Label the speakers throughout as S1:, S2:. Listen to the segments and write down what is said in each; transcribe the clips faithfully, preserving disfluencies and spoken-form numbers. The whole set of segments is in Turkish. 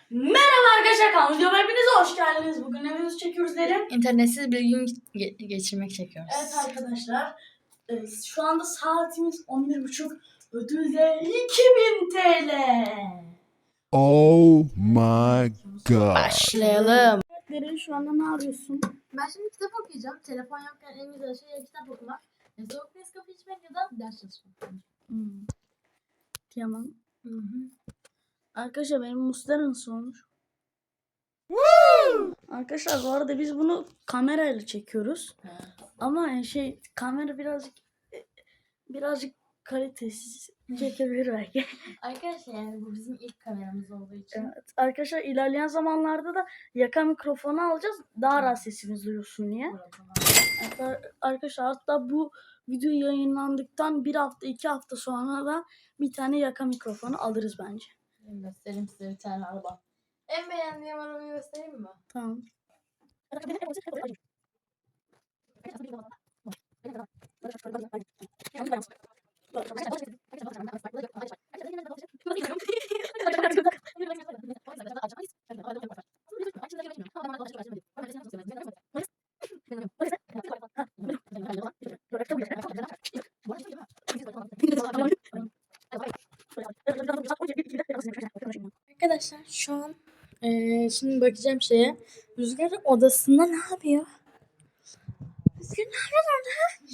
S1: Merhaba arkadaşlar, kanalıma videoma hepiniz hoş geldiniz. Bugün ne videosu çekiyoruz derim.
S2: İnternetsiz bir gün ge- geçirmek çekiyoruz.
S1: Evet arkadaşlar, e, şu anda saatimiz on bir buçuk. Ödül de iki bin T L.
S3: Oh my god.
S2: Başlayalım.
S1: Derin, şu anda ne yapıyorsun?
S2: Ben şimdi kitap okuyacağım. Telefon yokken en güzel şey ya kitap okumak. Ya soğuk Nescafe içmek ya da ders çalışmak.
S1: Hmm. Tamam.
S2: Hı hı.
S1: Arkadaşlar benim Mustara nasıl olmuş? Arkadaşlar bu arada biz bunu kamerayla çekiyoruz. Ama yani şey kamera birazcık e, birazcık kalitesiz çekebilir belki.
S2: Arkadaşlar yani bu bizim ilk kameramız olduğu için.
S1: Evet. Arkadaşlar ilerleyen zamanlarda da yaka mikrofonu alacağız. Daha rahat sesimiz duyulsun diye. Evet, ar- arkadaşlar hatta bu video yayınlandıktan bir hafta iki hafta sonra da bir tane yaka mikrofonu alırız bence.
S2: Ben göstereyim size bir tane araba. En beğendiğim arabayı göstereyim mi?
S1: Tamam.
S2: Arkadaşlar şu an eee, şimdi bakacağım şeye. Rüzgar odasında ne yapıyor? Rüzgar ne yapıyor orada?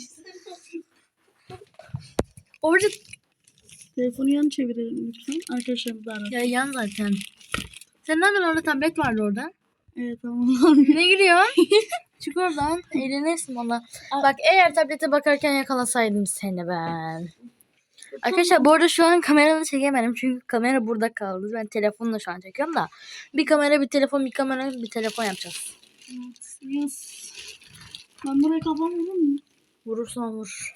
S2: Orada
S1: Telefonu yan çevirelim lütfen. Arkadaşlarımız da arasın.
S2: ya yan zaten. Sen ne yapıyorsun orada? Tablet vardı orada.
S1: Evet tamam.
S2: Ne gülüyorsun? Çık oradan. Eğlenirsin valla. Bak eğer tablete bakarken yakalasaydım seni ben. Arkadaşlar bu arada şu an kameramı çekemedim. Çünkü kamera burada kaldı. Ben telefonla şu an çekiyorum da. Bir kamera bir telefon bir kamera bir telefon yapacağız.
S1: Evet, yes. Ben burayı kapamadım mı?
S2: Vurursan vur.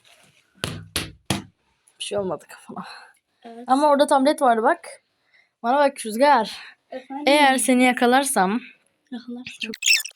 S2: Bir şey olmadı kafana.
S1: Evet.
S2: Ama orada tablet vardı bak. Bana bak Rüzgar.
S1: Efendim?
S2: Eğer seni yakalarsam.
S1: Yakalarsın.
S2: Çok-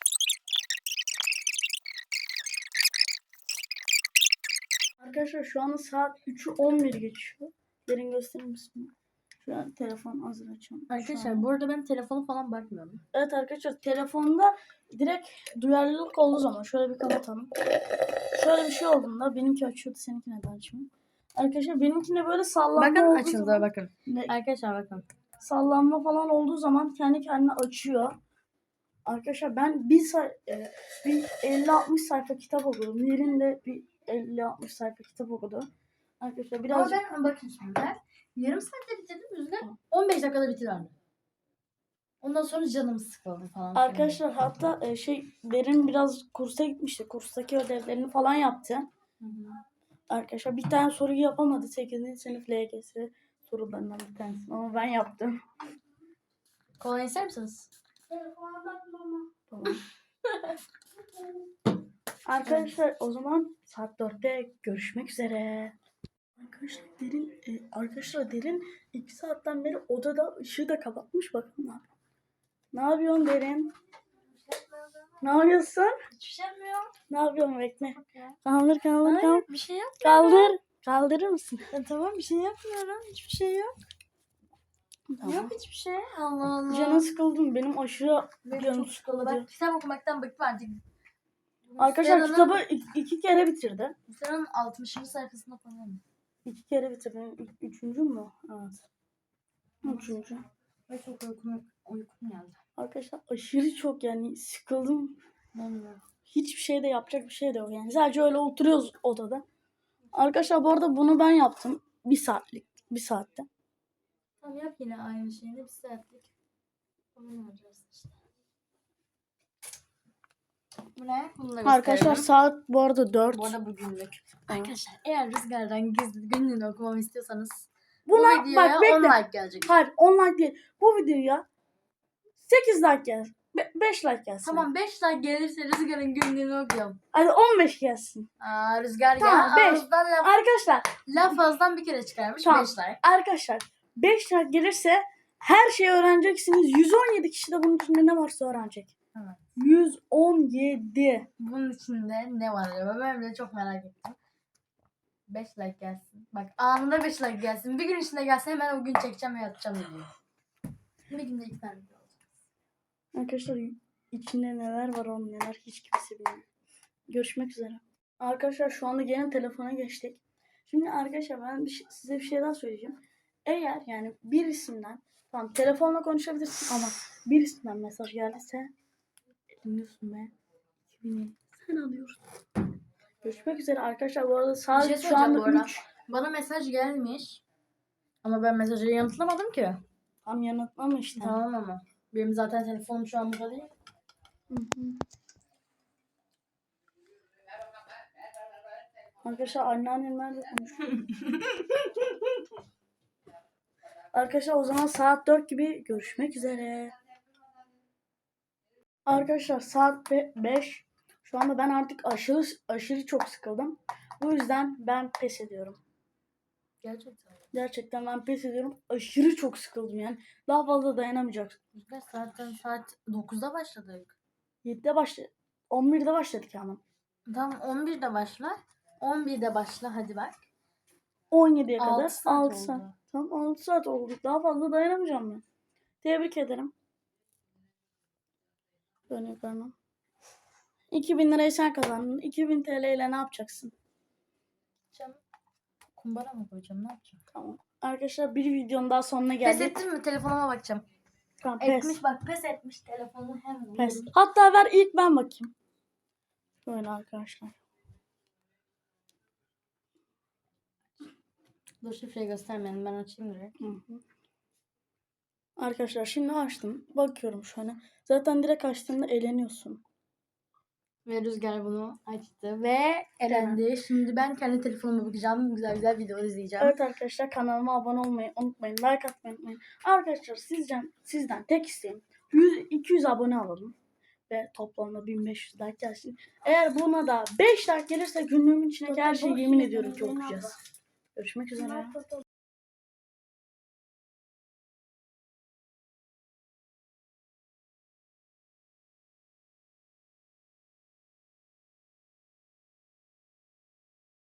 S1: Arkadaşlar şu anda saat üçü on bir geçiyor. Derin gösterir misin? Şu an telefon hazır açıyorum. Şu
S2: Arkadaşlar
S1: an-
S2: bu arada ben telefonu falan bakmıyorum.
S1: Evet arkadaşlar telefonda direkt duyarlılık olduğu zaman şöyle bir kapatalım. Şöyle bir şey olduğunda benimki açıyordu, seninki neden açmıyor? Arkadaşlar benimkine böyle sallanma
S2: Bakın
S1: olduğu
S2: açıldı
S1: zaman,
S2: bakın.
S1: ne-
S2: Arkadaşlar bakın.
S1: sallanma falan olduğu zaman kendi kendine açıyor. Arkadaşlar ben bir, say e, bir elli altmış sayfa kitap okudum. Yerinde bir elli altmış sayfa kitap okudu. Arkadaşlar biraz
S2: Ama ben bakın şimdi. Yarım saatte bitirdim Rüzgar. on beş dakikada bitiriverdi. Ondan sonra canım sıkıldı falan.
S1: arkadaşlar hatta e, şey Derin biraz kursa gitmişti. Kurstaki ödevlerini falan yaptı.
S2: Hı hı.
S1: Arkadaşlar bir tane soruyu yapamadı. sekizinci sınıf L G S sorularından bir tanesi. Ama ben yaptım.
S2: Kolay ister misiniz?
S1: Tamam. Arkadaşlar o zaman saat dörtte görüşmek üzere. Arkadaşlar Derin e, arkadaşlar Derin iki saatten beri odada ışığı da kapatmış. Bakın ne yapıyor. Ne yapıyorsun Derin? Ne yapıyorsun?
S2: Hiçbir şey yapmıyor.
S1: Ne yapıyorsun, bekle. Kaldır kaldır
S2: Hayır
S1: kaldır.
S2: bir şey yapmıyor.
S1: Kaldır. Kaldırır mısın?
S2: Ya, tamam bir şey yapmıyorum. Hiçbir şey yok.
S1: Tamam.
S2: Yok hiçbir şey. Allah Allah.
S1: Canım sıkıldım. Benim aşırı
S2: Benim
S1: canım
S2: çok sıkıldı.
S1: sıkıldı.
S2: Ben kitap okumaktan bıktım artık.
S1: Arkadaşlar
S2: Sera'nın-
S1: kitabı iki, iki kere bitirdi.
S2: Sera'nın altmışıncı sayfasında falan.
S1: İki kere bitirdi. Üç, üçüncü mü? Evet. Üçüncü.
S2: Ve çok uykum, uykum geldi.
S1: Arkadaşlar aşırı çok yani sıkıldım.
S2: Bilmiyorum.
S1: Hiçbir şey de yapacak bir şey de yok yani. Sadece öyle oturuyoruz odada. Arkadaşlar bu arada bunu ben yaptım. Bir saatlik. Bir saatte.
S2: Tamam yap yine aynı şeyini bir saatlik. Onu yapacağız işte. Bu ne? Bunu da
S1: Arkadaşlar
S2: gösterelim.
S1: saat bu arada dört.
S2: Bu arada bugünlük. Arkadaşlar eğer Rüzgar'dan gizli günlüğünü okumamı istiyorsanız bu
S1: Buna
S2: videoya
S1: bak bekle.
S2: on like gelecek.
S1: Hayır on like değil. Bu videoya sekiz like gelsin. beş like gelsin.
S2: Tamam beş like gelirse Rüzgar'ın günlüğünü okuyorum.
S1: Hadi on beş gelsin.
S2: Aa, Rüzgar
S1: Tamam,
S2: ya
S1: beş.
S2: ağızdan laf,
S1: Arkadaşlar
S2: laf ağızdan bir kere çıkarmış.
S1: Tamam.
S2: beş like.
S1: Arkadaşlar beş like gelirse her şeyi öğreneceksiniz. yüz on yedi kişi de bunun içinde ne varsa öğrenecek.
S2: Evet.
S1: yüz on yedi.
S2: Bunun içinde ne var acaba? Ben bile çok merak ettim. beş like gelsin. Bak anında beş like gelsin. Bir gün içinde gelse hemen o gün çekeceğim ve atacağım videoyu. Bir günde iki tane video olacak.
S1: Arkadaşlar içinde neler var onun neler hiç kimse bilmiyor. Görüşmek üzere. Arkadaşlar şu anda gene telefona geçtik. Şimdi arkadaşlar ben bir şey- size bir şey daha söyleyeceğim. Eğer yani birisinden tamam telefonla konuşabilirsin ama birisinden mesaj geldiyse dinliyorsun be. iki bin sen alıyorsun. Görüşmek üzere arkadaşlar. Bu arada
S2: Bir şey
S1: saat şu
S2: söyleyeceğim
S1: anda
S2: bu arada.
S1: üç.
S2: Bana mesaj gelmiş. Ama ben mesajı yanıtlamadım ki.
S1: Tam yanıtlama işte.
S2: Tamam ama. Benim zaten telefonum şu an burada değil.
S1: Hı hı. Arkadaşlar anneannemlerle konuşuyorum. Arkadaşlar o zaman saat dört gibi görüşmek üzere. Arkadaşlar saat beş. Şu anda ben artık aşırı aşırı çok sıkıldım. Bu yüzden ben pes ediyorum.
S2: Gerçekten.
S1: Gerçekten ben pes ediyorum. Aşırı çok sıkıldım yani. Daha fazla dayanamayacak.
S2: Biz zaten saat dokuzda başladık.
S1: yedide başladık. on birde başladık ama.
S2: Tamam on birde başla. on birde başla hadi bak.
S1: on yediye
S2: Altı
S1: kadar
S2: saat
S1: altı
S2: oldu.
S1: saat. Tamam altı saat oldu. Daha fazla dayanamayacağım ben. Tebrik ederim. Böyle yaparım. iki bin lirayı sen kazandın. iki bin T L ile ne yapacaksın?
S2: Canım. Kumbara mı koyacağım ne yapacağım?
S1: Tamam. Arkadaşlar bir videonun daha sonuna
S2: Pes
S1: geldik.
S2: ettin mi? Telefonuma bakacağım.
S1: Tamam, pes.
S2: Etmiş bak pes etmiş telefonu hemen.
S1: Pes. Hatta ver ilk ben bakayım. Böyle arkadaşlar.
S2: Dur şifreyi göstermeyin ben açayım direkt.
S1: Hı hı. Arkadaşlar şimdi açtım. Bakıyorum şu an. Zaten direkt açtığında eğleniyorsun.
S2: Ve Rüzgar bunu açtı ve elendi. Şimdi ben kendi telefonuma bakacağım. Güzel güzel video izleyeceğim.
S1: Evet arkadaşlar kanalıma abone olmayı unutmayın. Like atmayı unutmayın. Arkadaşlar sizden, sizden tek isteğim yüz iki yüz abone alalım. Ve toplamda bin beş yüz like gelsin. Eğer buna da beş like gelirse günlüğümün içindeki her şeyi yemin ediyorum ki okuyacağız. Görüşmek üzere.